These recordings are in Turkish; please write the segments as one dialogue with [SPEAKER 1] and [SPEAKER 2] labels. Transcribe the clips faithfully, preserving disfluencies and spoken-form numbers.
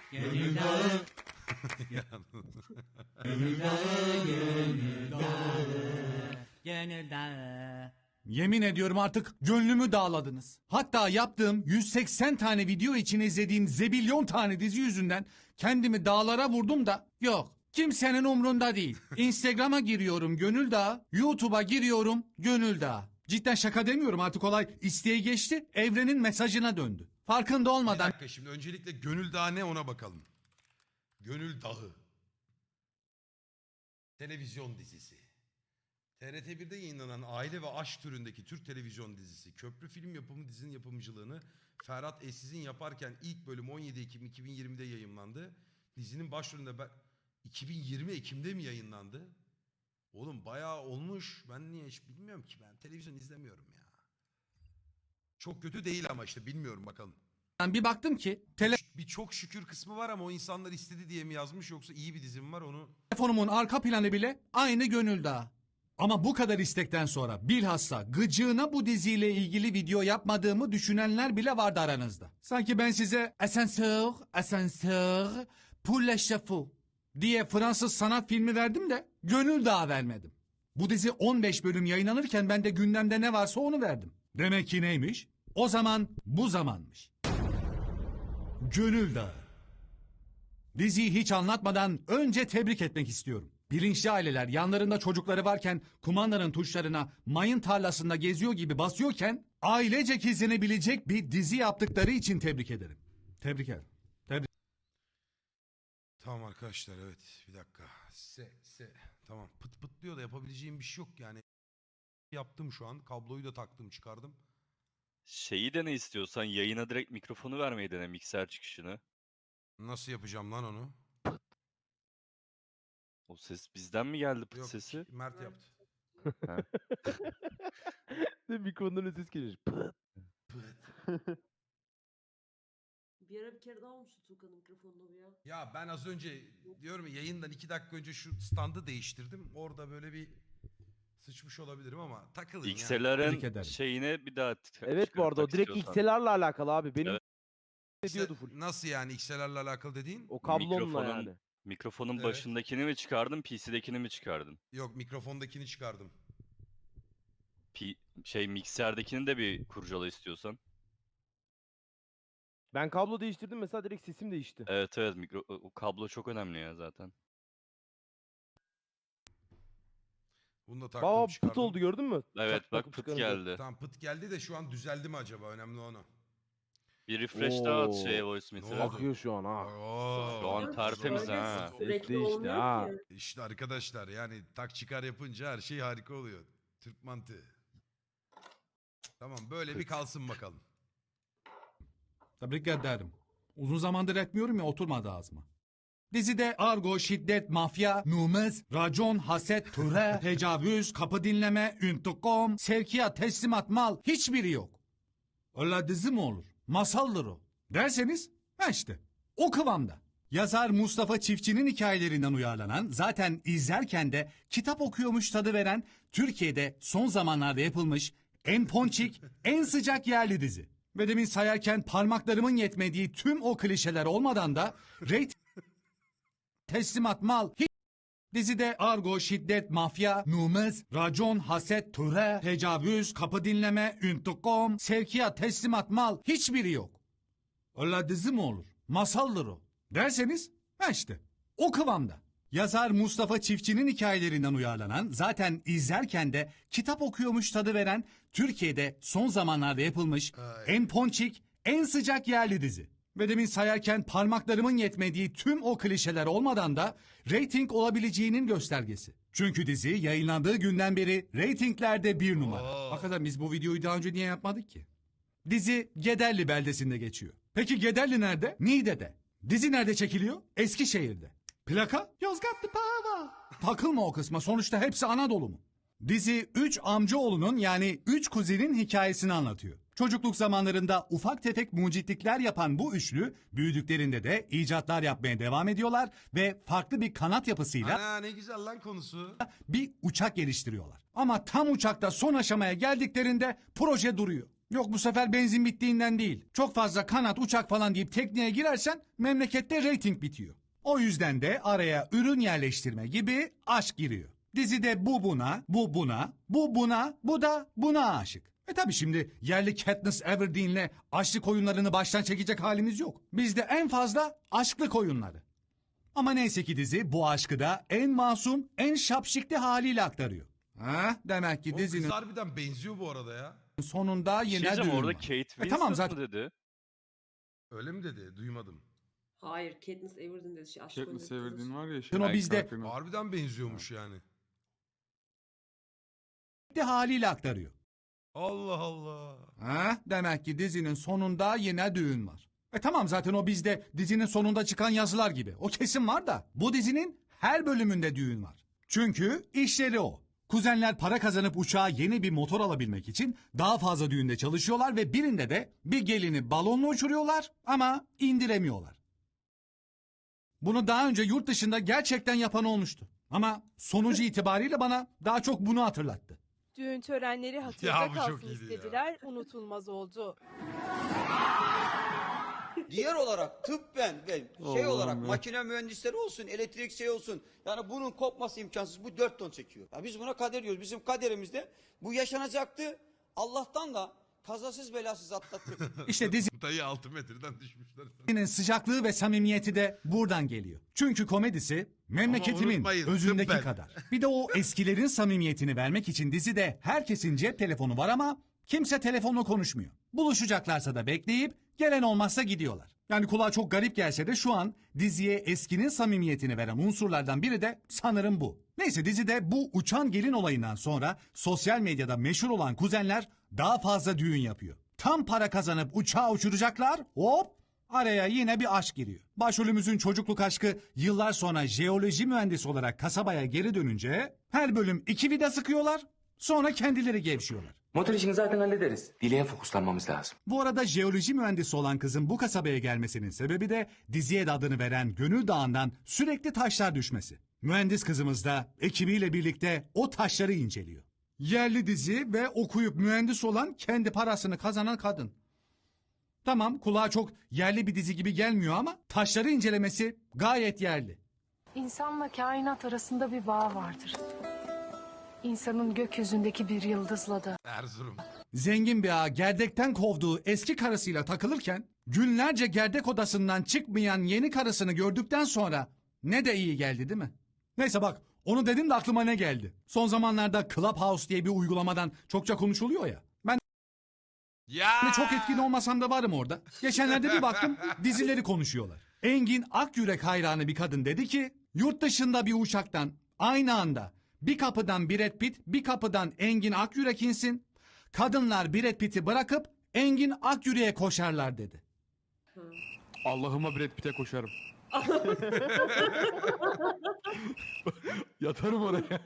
[SPEAKER 1] Gönül dağı. Gönül dağı, gönül dağı. Gönül dağı. Yemin ediyorum artık gönlümü dağladınız. Hatta yaptığım yüz seksen tane video için izlediğim zebilyon tane dizi yüzünden kendimi dağlara vurdum da yok. Kimsenin umrunda değil. Instagram'a giriyorum Gönül Dağı, YouTube'a giriyorum Gönül Dağı. Cidden şaka demiyorum, artık olay isteği geçti, evrenin mesajına döndü. Farkında
[SPEAKER 2] Bir
[SPEAKER 1] olmadan
[SPEAKER 2] dakika, şimdi öncelikle Gönül Dağı ne ona bakalım. Gönül Dağı. Televizyon dizisi. T R T bir'de yayınlanan aile ve aşk türündeki Türk televizyon dizisi. Köprü Film Yapımı dizinin yapımcılığını Ferhat Eşsiz'in yaparken ilk bölüm on yedi Ekim iki bin yirmide yayımlandı. Dizinin başrolünde ben... iki bin yirmi Ekim'de mi yayınlandı? Oğlum bayağı olmuş. Ben niye hiç bilmiyorum ki, ben televizyon izlemiyorum ya. Çok kötü değil ama işte bilmiyorum, bakalım.
[SPEAKER 1] bir baktım ki
[SPEAKER 2] Bir çok şükür kısmı var ama o insanlar istedi diye mi yazmış yoksa iyi bir dizim var onu...
[SPEAKER 1] telefonumun arka planı bile aynı Gönül Dağı. Ama bu kadar istekten sonra bilhassa gıcığına bu diziyle ilgili video yapmadığımı düşünenler bile vardı aranızda. Sanki ben size asansör, asansör, pour les chevaux diye Fransız sanat filmi verdim de Gönül Dağı vermedim. Bu dizi on beş bölüm yayınlanırken ben de gündemde ne varsa onu verdim. Demek ki neymiş? O zaman bu zamanmış. Gönül Dağı. Diziyi hiç anlatmadan önce tebrik etmek istiyorum. Bilinçli aileler yanlarında çocukları varken kumandanın tuşlarına mayın tarlasında geziyor gibi basıyorken ailecek izlenebilecek bir dizi yaptıkları için tebrik ederim. Tebrik ederim. Tebrik.
[SPEAKER 2] Tamam arkadaşlar, evet bir dakika. Se, se. Tamam, pıt pıtlıyor da yapabileceğim bir şey yok yani. Yaptım şu an, kabloyu da taktım çıkardım.
[SPEAKER 3] Şeyi de ne istiyorsan yayına direkt mikrofonu vermeyi dene, mikser çıkışını.
[SPEAKER 2] Nasıl yapacağım lan onu?
[SPEAKER 3] O ses bizden mi geldi, pıt
[SPEAKER 2] Yok,
[SPEAKER 3] sesi?
[SPEAKER 2] Mert yaptı.
[SPEAKER 3] Ha.
[SPEAKER 4] Mikrofondan ses geliyor. Pıt.
[SPEAKER 2] Pıt.
[SPEAKER 5] Bir ara bir kere daha olmuştu Tuğkan'ın mikrofonunda bu ya.
[SPEAKER 2] Ya ben az önce diyorum ya, yayından iki dakika önce şu standı değiştirdim. Orada böyle bir sıçmış olabilirim ama takılın ya.
[SPEAKER 1] Tebrik
[SPEAKER 3] X'lerin
[SPEAKER 1] ederim.
[SPEAKER 3] şeyine bir daha t-
[SPEAKER 4] Evet bu arada o
[SPEAKER 3] çıkartmak
[SPEAKER 4] direkt
[SPEAKER 3] istiyorsan.
[SPEAKER 4] X L R'la alakalı abi. Benim
[SPEAKER 3] Evet.
[SPEAKER 4] ediyordu full.
[SPEAKER 2] Nasıl yani X L R'la alakalı dediğin?
[SPEAKER 4] O kablonla
[SPEAKER 3] Mikrofonun-
[SPEAKER 4] yani.
[SPEAKER 3] Mikrofonun
[SPEAKER 2] Evet.
[SPEAKER 3] başındakini mi çıkardın, P C'dekini mi çıkardın?
[SPEAKER 2] Yok, mikrofondakini çıkardım.
[SPEAKER 3] P şey mikserdekini de bir kurcala istiyorsan.
[SPEAKER 4] Ben kablo değiştirdim mesela direkt sesim değişti.
[SPEAKER 3] Evet evet, mikro o o kablo çok önemli ya zaten.
[SPEAKER 2] Bunu da taktım
[SPEAKER 4] Baba
[SPEAKER 2] çıkardım.
[SPEAKER 4] pıt oldu gördün mü?
[SPEAKER 3] Evet
[SPEAKER 4] Çak
[SPEAKER 3] bak,
[SPEAKER 4] takıp
[SPEAKER 3] pıt
[SPEAKER 4] çıkarınca.
[SPEAKER 3] geldi.
[SPEAKER 2] Tamam, pıt geldi de şu an düzeldi mi acaba? Önemli onu.
[SPEAKER 3] Bir refresh daha at
[SPEAKER 4] Oo.
[SPEAKER 3] şeye, voice
[SPEAKER 2] Ne
[SPEAKER 3] meter'e.
[SPEAKER 2] oldu?
[SPEAKER 4] Akıyor şu an ha.
[SPEAKER 2] Oo.
[SPEAKER 3] Şu an tertemiz
[SPEAKER 5] Öyle
[SPEAKER 3] ha.
[SPEAKER 5] sürekli
[SPEAKER 4] Ses değişti
[SPEAKER 5] olmuyor
[SPEAKER 4] ha.
[SPEAKER 5] ki.
[SPEAKER 2] İşte arkadaşlar, yani tak çıkar yapınca her şey harika oluyor. Türk mantığı. Tamam, böyle bir kalsın bakalım.
[SPEAKER 1] Tebrik ederim. Uzun zamandır etmiyorum ya, oturmadı ağzıma. Dizide argo, şiddet, mafya, numuz, racon, haset, türe, tecavüz, kapı dinleme, intikam, sevkiyat, teslimat, mal hiçbiri yok. Öyle dizi mi olur? Masaldır o. Derseniz ha işte o kıvamda. Yazar Mustafa Çiftçi'nin hikayelerinden uyarlanan, zaten izlerken de kitap okuyormuş tadı veren, Türkiye'de son zamanlarda yapılmış en ponçik, en sıcak yerli dizi. Ve demin sayarken parmaklarımın yetmediği tüm o klişeler olmadan da reyting teslimat, mal hiç. Dizide argo, şiddet, mafya, numuz, racon, haset, türe, tecavüz, kapı dinleme, intikam, sevkiyat, teslimat, mal hiçbiri yok. Öyle dizi mi olur? Masaldır o. Derseniz ha işte o kıvamda. Yazar Mustafa Çiftçi'nin hikayelerinden uyarlanan, zaten izlerken de kitap okuyormuş tadı veren, Türkiye'de son zamanlarda yapılmış
[SPEAKER 2] Ay.
[SPEAKER 1] en ponçik, en sıcak yerli dizi. Ve demin sayarken parmaklarımın yetmediği tüm o klişeler olmadan da reyting olabileceğinin göstergesi. Çünkü dizi yayınlandığı günden beri reytinglerde bir numara.
[SPEAKER 2] Oo.
[SPEAKER 1] Hakikaten biz bu videoyu daha önce niye yapmadık ki? Dizi Gederli beldesinde geçiyor. Peki Gederli nerede? Niğde'de. Dizi nerede çekiliyor? Eskişehir'de. Plaka? Yozgatlı Pava. Takılma o kısma, sonuçta hepsi Anadolu mu? Dizi üç amcaoğlunun, yani üç kuzenin hikayesini anlatıyor. Çocukluk zamanlarında ufak tefek mucitlikler yapan bu üçlü büyüdüklerinde de icatlar yapmaya devam ediyorlar ve farklı bir kanat yapısıyla
[SPEAKER 2] Ana ne güzel lan konusu.
[SPEAKER 1] bir uçak geliştiriyorlar. Ama tam uçakta son aşamaya geldiklerinde proje duruyor. Yok bu sefer benzin bittiğinden değil. Çok fazla kanat, uçak falan deyip tekneye girersen memlekette reyting bitiyor. O yüzden de araya ürün yerleştirme gibi aşk giriyor. Dizide bu buna, bu buna, bu buna, bu da buna aşık. E tabi şimdi yerli Katniss Everdeen'le aşk oyunlarını baştan çekecek halimiz yok. Bizde en fazla aşklık oyunları. Ama neyse ki dizi bu aşkı da en masum, en şapşikli haliyle aktarıyor. Ha, demek ki
[SPEAKER 2] O kız
[SPEAKER 1] dizinin
[SPEAKER 2] harbiden benziyor bu arada ya.
[SPEAKER 1] sonunda
[SPEAKER 3] Bir şey
[SPEAKER 1] yine
[SPEAKER 3] diyeceğim,
[SPEAKER 1] düğün
[SPEAKER 3] orada
[SPEAKER 1] var.
[SPEAKER 3] Kate
[SPEAKER 1] E
[SPEAKER 3] Winslet
[SPEAKER 1] tamam
[SPEAKER 3] mı
[SPEAKER 1] zaten.
[SPEAKER 3] dedi?
[SPEAKER 2] Öyle mi dedi? Duymadım.
[SPEAKER 5] Hayır, Katniss Everdeen dedi. Şey, aşk
[SPEAKER 6] Katniss
[SPEAKER 5] oynadı
[SPEAKER 6] Everdeen
[SPEAKER 5] kadın.
[SPEAKER 6] var ya.
[SPEAKER 1] o
[SPEAKER 6] Şey,
[SPEAKER 1] bizde-
[SPEAKER 6] karakterin adı.
[SPEAKER 2] Harbiden benziyormuş yani.
[SPEAKER 1] haliyle aktarıyor.
[SPEAKER 2] Allah Allah.
[SPEAKER 1] Ha, demek ki dizinin sonunda yine düğün var. E tamam zaten o bizde dizinin sonunda çıkan yazılar gibi. O kesin var da bu dizinin her bölümünde düğün var. Çünkü işleri o. Kuzenler para kazanıp uçağa yeni bir motor alabilmek için daha fazla düğünde çalışıyorlar ve birinde de bir gelini balonla uçuruyorlar ama indiremiyorlar. Bunu daha önce yurt dışında gerçekten yapan olmuştu. Ama sonucu itibariyle bana daha çok bunu hatırlattı.
[SPEAKER 7] Düğün törenleri
[SPEAKER 2] Ya
[SPEAKER 7] hatırda
[SPEAKER 2] bu çok
[SPEAKER 7] kalsın
[SPEAKER 2] iyiydi ya.
[SPEAKER 7] istediler, unutulmaz oldu.
[SPEAKER 8] Diğer olarak tıbben ve şey
[SPEAKER 6] Allah'ım
[SPEAKER 8] olarak
[SPEAKER 6] ya.
[SPEAKER 8] makine mühendisleri olsun, elektrik şey olsun. Yani bunun kopması imkansız. Bu dört ton çekiyor. Ya biz buna kader diyoruz. Bizim kaderimizde bu yaşanacaktı. Allah'tan da kazasız belasız atlattık.
[SPEAKER 1] İşte dizinin
[SPEAKER 2] Dayı altı metreden düşmüşler.
[SPEAKER 1] sıcaklığı ve samimiyeti de buradan geliyor. Çünkü komedisi memleketimin
[SPEAKER 2] unutmayın,
[SPEAKER 1] özündeki
[SPEAKER 2] tıbben.
[SPEAKER 1] kadar. Bir de o eskilerin samimiyetini vermek için dizide herkesin cep telefonu var ama kimse telefonla konuşmuyor. Buluşacaklarsa da bekleyip gelen olmazsa gidiyorlar. Yani kulağa çok garip gelse de şu an diziye eskinin samimiyetini veren unsurlardan biri de sanırım bu. Neyse dizide bu uçan gelin olayından sonra sosyal medyada meşhur olan kuzenler daha fazla düğün yapıyor. Tam para kazanıp uçağı uçuracaklar, hop araya yine bir aşk giriyor. Başrolümüzün çocukluk aşkı yıllar sonra jeoloji mühendisi olarak kasabaya geri dönünce her bölüm iki vida sıkıyorlar, sonra kendileri gevşiyorlar.
[SPEAKER 9] Motor işini zaten hallederiz. Dileğe fokuslanmamız lazım.
[SPEAKER 1] Bu arada jeoloji mühendisi olan kızın bu kasabaya gelmesinin sebebi de diziye de adını veren Gönül Dağı'ndan sürekli taşlar düşmesi. Mühendis kızımız da ekibiyle birlikte o taşları inceliyor. Yerli dizi ve okuyup mühendis olan kendi parasını kazanan kadın. Tamam kulağa çok yerli bir dizi gibi gelmiyor ama taşları incelemesi gayet yerli.
[SPEAKER 10] İnsanla kainat arasında bir bağ vardır. İnsanın gökyüzündeki bir yıldızla da.
[SPEAKER 2] Erzurum.
[SPEAKER 1] Zengin bir ağa gerdekten kovduğu eski karısıyla takılırken günlerce gerdek odasından çıkmayan yeni karısını gördükten sonra ne de iyi geldi değil mi? Neyse bak onu dedim de aklıma ne geldi? Son zamanlarda Clubhouse diye bir uygulamadan çokça konuşuluyor ya. Ben
[SPEAKER 2] Ya.
[SPEAKER 1] de çok etkin olmasam da varım orada. Geçenlerde bir baktım dizileri konuşuyorlar. Engin Akyürek hayranı bir kadın dedi ki yurt dışında bir uçaktan aynı anda bir kapıdan Brad Pitt bir kapıdan Engin Akyürek insin. Kadınlar Brad Pitt'i bırakıp Engin Akyürek'e koşarlar dedi.
[SPEAKER 6] Allah'ıma Brad Pitt'e koşarım. Yatarım oraya.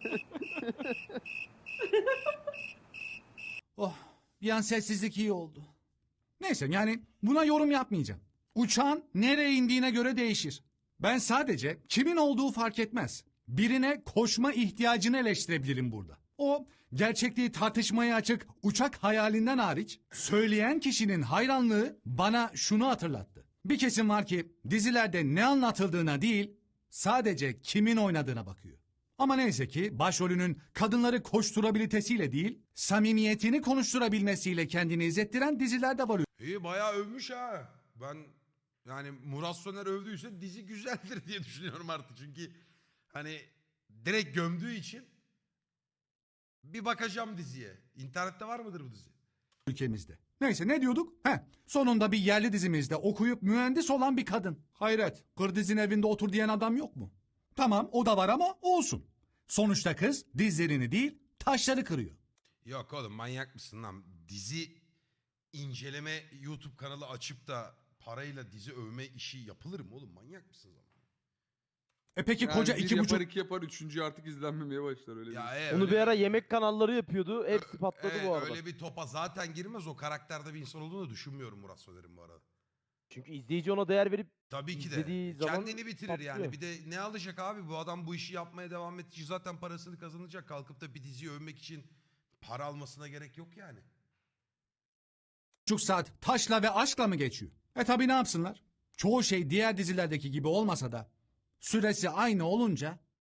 [SPEAKER 1] Oh bir an sessizlik iyi oldu. Neyse yani buna yorum yapmayacağım. Uçağın nereye indiğine göre değişir. Ben sadece kimin olduğu fark etmez. Birine koşma ihtiyacını eleştirebilirim burada. O gerçekliği tartışmaya açık uçak hayalinden hariç söyleyen kişinin hayranlığı bana şunu hatırlattı. Bir kesim var ki dizilerde ne anlatıldığına değil sadece kimin oynadığına bakıyor. Ama neyse ki başrolünün kadınları koşturabilitesiyle değil samimiyetini konuşturabilmesiyle kendini izlettiren diziler de var.
[SPEAKER 2] İyi bayağı övmüş ha. Ben yani Murat Soner övdüyse dizi güzeldir diye düşünüyorum artık. Çünkü hani direkt gömdüğü için bir bakacağım diziye. İnternette var mıdır bu dizi?
[SPEAKER 1] Ülkemizde. Neyse ne diyorduk? Heh, sonunda bir yerli dizimizde okuyup mühendis olan bir kadın. Hayret, Kırdiz'in evinde otur diyen adam yok mu? Tamam o da var ama olsun. Sonuçta kız dizlerini değil taşları kırıyor.
[SPEAKER 2] Yok oğlum manyak mısın lan? Dizi inceleme YouTube kanalı açıp da parayla dizi övme işi yapılır mı oğlum? Manyak mısın zaman?
[SPEAKER 1] E peki
[SPEAKER 6] Yani
[SPEAKER 1] koca
[SPEAKER 6] bir
[SPEAKER 1] iki
[SPEAKER 6] yapar
[SPEAKER 1] buçuk...
[SPEAKER 6] iki yapar üçüncü artık izlenmemeye başlar öyle
[SPEAKER 2] Ya
[SPEAKER 6] değil.
[SPEAKER 2] e,
[SPEAKER 4] Onu
[SPEAKER 2] öyle-
[SPEAKER 4] bir ara yemek kanalları yapıyordu. Hepsi patladı
[SPEAKER 2] e,
[SPEAKER 4] bu arada.
[SPEAKER 2] Öyle bir topa zaten girmez. O karakterde bir insan olduğunu düşünmüyorum Murat Soner'in bu arada.
[SPEAKER 4] Çünkü izleyici ona değer verip
[SPEAKER 2] Tabii ki de.
[SPEAKER 4] İzlediği zaman
[SPEAKER 2] Kendini bitirir yani.
[SPEAKER 4] patlıyor.
[SPEAKER 2] Bir de ne alacak abi? Bu adam bu işi yapmaya devam ettiği zaten parasını kazanacak. Kalkıp da bir diziyi övmek için para almasına gerek yok yani.
[SPEAKER 1] buçuk saat taşla ve aşkla mı geçiyor? E tabi ne yapsınlar? Çoğu şey diğer dizilerdeki gibi olmasa da süresi aynı olunca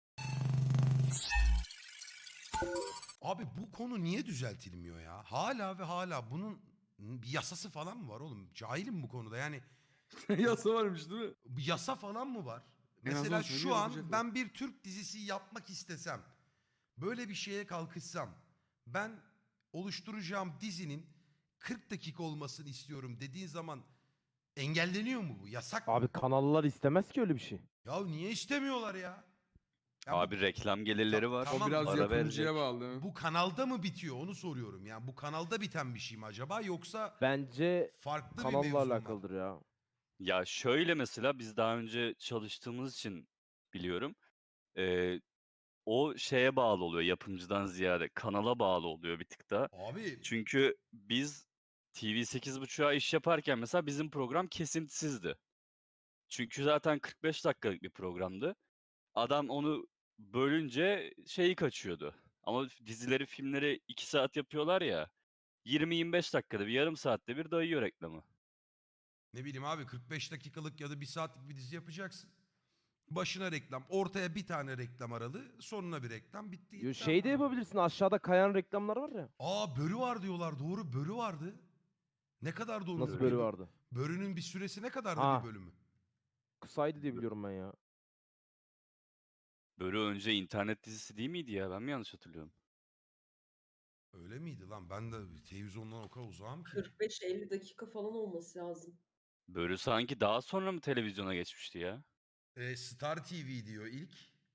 [SPEAKER 2] Abi bu konu niye düzeltilmiyor ya? Hala ve hala bunun bir yasası falan mı var oğlum? Cahilim bu konuda yani.
[SPEAKER 6] Yasa varmış değil mi?
[SPEAKER 2] Bir yasa falan mı var?
[SPEAKER 6] En azından
[SPEAKER 2] Mesela
[SPEAKER 6] söylüyor,
[SPEAKER 2] şu an
[SPEAKER 6] yapacaklar.
[SPEAKER 2] ben bir Türk dizisi yapmak istesem, böyle bir şeye kalkışsam, ben oluşturacağım dizinin kırk dakika olmasını istiyorum dediğin zaman engelleniyor mu bu? Yasak
[SPEAKER 4] Abi
[SPEAKER 2] mı?
[SPEAKER 4] kanallar istemez ki öyle bir şey.
[SPEAKER 2] Ya niye istemiyorlar ya? Ya bu-
[SPEAKER 3] Abi reklam gelirleri
[SPEAKER 2] Ta-
[SPEAKER 3] var.
[SPEAKER 2] tamam,
[SPEAKER 6] O biraz
[SPEAKER 3] para
[SPEAKER 6] yapımcıya
[SPEAKER 3] verecek.
[SPEAKER 6] bağlı değil mi?
[SPEAKER 2] Bu kanalda mı bitiyor onu soruyorum. Yani bu kanalda biten bir şey mi acaba yoksa
[SPEAKER 4] Bence
[SPEAKER 2] farklı bir
[SPEAKER 4] kanalla
[SPEAKER 2] mevzu mu var?
[SPEAKER 4] alakalıdır ya.
[SPEAKER 3] Ya şöyle mesela biz daha önce çalıştığımız için biliyorum. Ee, o şeye bağlı oluyor yapımcıdan ziyade. Kanala bağlı oluyor bir tık da.
[SPEAKER 2] Abi
[SPEAKER 3] Çünkü biz T V sekiz buçuğa iş yaparken mesela bizim program kesintisizdi. Çünkü zaten kırk beş dakikalık bir programdı. Adam onu bölünce şeyi kaçıyordu. Ama dizileri, filmleri iki saat yapıyorlar ya. yirmi yirmi beş dakikada bir, yarım saatte bir dayıyor reklamı.
[SPEAKER 2] ne bileyim abi kırk beş dakikalık ya da bir saatlik bir dizi yapacaksın. Başına reklam, ortaya bir tane reklam aralı, sonuna bir reklam bitti.
[SPEAKER 4] Yo,
[SPEAKER 2] gitti
[SPEAKER 4] şey de
[SPEAKER 2] ama.
[SPEAKER 4] yapabilirsin, aşağıda kayan reklamlar var ya.
[SPEAKER 2] Aa börü var diyorlar, doğru börü vardı. Ne kadar doğru?
[SPEAKER 4] Nasıl bölü vardı?
[SPEAKER 2] Börünün bir süresi ne kadardı
[SPEAKER 4] Ha.
[SPEAKER 2] bir bölümü?
[SPEAKER 4] Kısaydı diye biliyorum ben ya.
[SPEAKER 3] Böyle önce internet dizisi değil miydi ya? Ben mi yanlış hatırlıyorum?
[SPEAKER 2] Öyle miydi lan? Ben de televizyondan o kadar uzağım ki.
[SPEAKER 5] kırk beş elli dakika falan olması lazım.
[SPEAKER 3] Böyle sanki daha sonra mı televizyona geçmişti ya?
[SPEAKER 2] Ee, Star T V diyor ilk.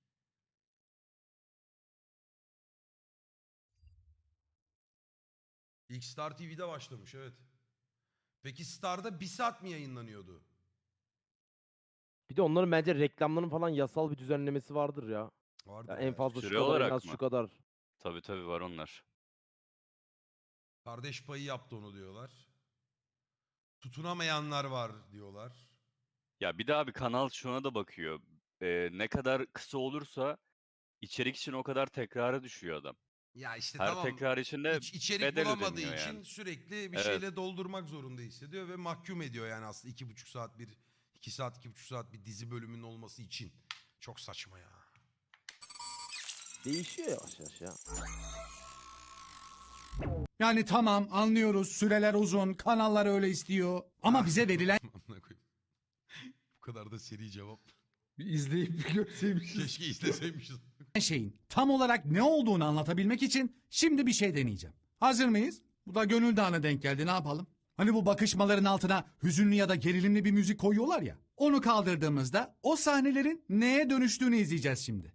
[SPEAKER 2] İlk Star T V'de başlamış evet. Peki Star'da bir saat mi yayınlanıyordu?
[SPEAKER 4] Bir de onların bence reklamların falan yasal bir düzenlemesi vardır ya.
[SPEAKER 2] Vardı
[SPEAKER 4] Ya en fazla şu
[SPEAKER 3] Süre
[SPEAKER 4] kadar, en
[SPEAKER 3] olarak
[SPEAKER 4] az
[SPEAKER 3] mı?
[SPEAKER 4] şu kadar.
[SPEAKER 3] Tabii tabii var onlar.
[SPEAKER 2] Kardeş payı yaptı onu diyorlar. Tutunamayanlar var diyorlar.
[SPEAKER 3] Ya bir daha bir kanal şuna da bakıyor. Ee, ne kadar kısa olursa içerik için o kadar tekrara düşüyor adam.
[SPEAKER 2] Ya işte
[SPEAKER 3] Her
[SPEAKER 2] tamam.
[SPEAKER 3] tekrar içinde
[SPEAKER 2] İç, içerik
[SPEAKER 3] bedel
[SPEAKER 2] bulamadığı
[SPEAKER 3] ödeniyor
[SPEAKER 2] için
[SPEAKER 3] yani.
[SPEAKER 2] sürekli bir
[SPEAKER 3] Evet.
[SPEAKER 2] şeyle doldurmak zorunda hissediyor ve mahkum ediyor yani aslında iki buçuk saat bir iki saat iki buçuk saat bir dizi bölümünün olması için. Çok saçma ya.
[SPEAKER 4] Değişiyor yavaş yavaş ya.
[SPEAKER 1] yani tamam anlıyoruz süreler uzun kanallar öyle istiyor ama bize verilen
[SPEAKER 2] Amına koyayım. Bu kadar da seri cevap.
[SPEAKER 6] Bir izleyip bir görseymişiz.
[SPEAKER 2] Keşke izleseymişiz.
[SPEAKER 1] şeyin tam olarak ne olduğunu anlatabilmek için şimdi bir şey deneyeceğim. Hazır mıyız? Bu da gönül dağına denk geldi ne yapalım? Hani bu bakışmaların altına hüzünlü ya da gerilimli bir müzik koyuyorlar ya. Onu kaldırdığımızda o sahnelerin neye dönüştüğünü izleyeceğiz şimdi.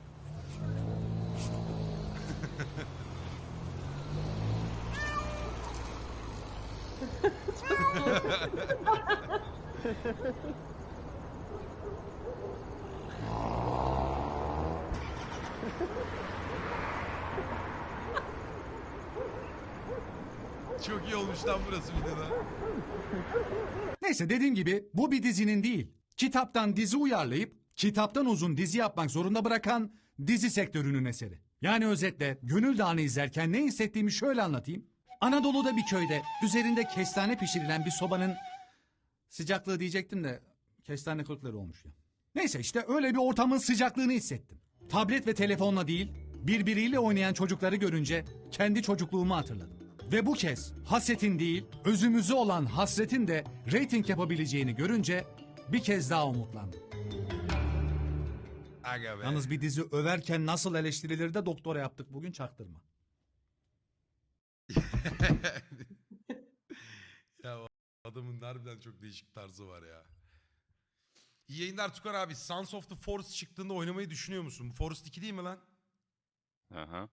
[SPEAKER 2] Çok iyi olmuş lan burası bir de daha.
[SPEAKER 1] Neyse dediğim gibi bu bir dizinin değil. Kitaptan dizi uyarlayıp kitaptan uzun dizi yapmak zorunda bırakan dizi sektörünün eseri. Yani özetle Gönül Dağı'nı izlerken ne hissettiğimi şöyle anlatayım. Anadolu'da bir köyde üzerinde kestane pişirilen bir sobanın sıcaklığı diyecektim de kestane kırıkları olmuş ya. Neyse işte öyle bir ortamın sıcaklığını hissettim. Tablet ve telefonla değil birbiriyle oynayan çocukları görünce kendi çocukluğumu hatırladım. Ve bu kez hasetin değil özümüzü olan hasretin de reyting yapabileceğini görünce bir kez daha umutlandım.
[SPEAKER 2] Aga be.
[SPEAKER 1] Yalnız bir dizi överken nasıl eleştirilir de doktora yaptık bugün çaktırma.
[SPEAKER 2] Ya o adamın harbiden çok değişik tarzı var ya. İyi yayınlar Tukar abi. Sons of the Forest çıktığında oynamayı düşünüyor musun? Bu Forest iki değil mi lan?
[SPEAKER 3] Aha.